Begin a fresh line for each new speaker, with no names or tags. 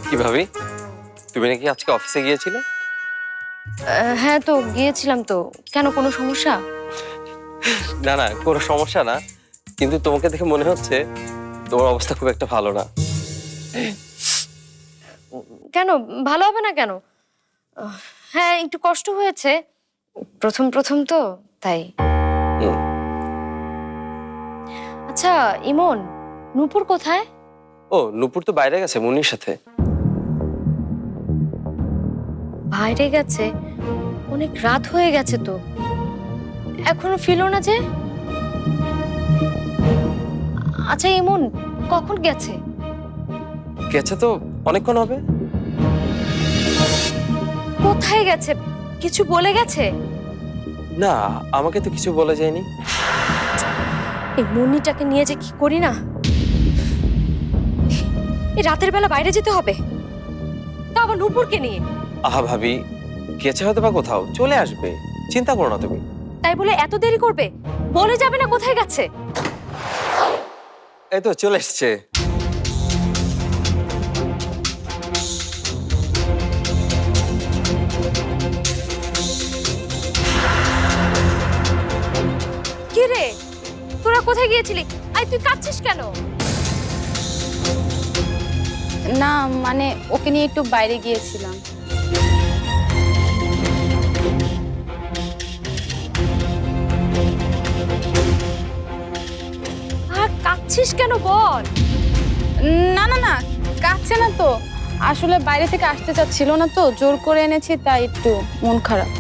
কি ভাবি, তুমি নাকি আজকে অফিসে গিয়েছিলে?
হ্যাঁ তো গিয়েছিলাম তো। কেন, কোনো সমস্যা?
না না, কোনো সমস্যা না, কিন্তু তোমাকে দেখে মনে হচ্ছে তোমার অবস্থা খুব একটা ভালো না।
কেন ভালো হবে না কেন? হ্যাঁ একটু কষ্ট হয়েছে, প্রথম প্রথম তো তাই।
হুম।
আচ্ছা ইমন, নূপুর কোথায়?
ও, নূপুর তো বাইরে গেছে মুন্নির সাথে।
বাইরে গেছে? অনেক রাত হয়ে গেছে তো, এখনো ফিরলো না যে। আচ্ছা ইমন কখন গেছে?
গেছে তো অনেকক্ষণ হবে।
কোথায় গেছে, কিছু বলে গেছে?
না, আমাকে তো কিছু বলা যায়নি।
এই মুন্নিটাকে নিয়ে যে কি করি না। এই রাতের বেলা বাইরে যেতে হবে, তা আবার নূপুরকে নিয়ে।
আহা ভাবি, গেছে হয়তো বা কোথাও, চলে আসবে, চিন্তা করো না তুমি।
তাই বলে এত দেরি করবে? বলে যাবে না কোথায় গেছে?
এই তো চলে এসছে।
কি রে, তোরা কোথায় গিয়েছিলি? আই তুই কাঁদছিস কেন?
না মানে ওকে নিয়ে একটু বাইরে গিয়েছিলাম।
আর কাঁদছিস কেন বল?
না না না, কাছে না তো, আসলে বাইরে থেকে আসতে চাচ্ছিল না তো, জোর করে এনেছি তাই একটু মন খারাপ।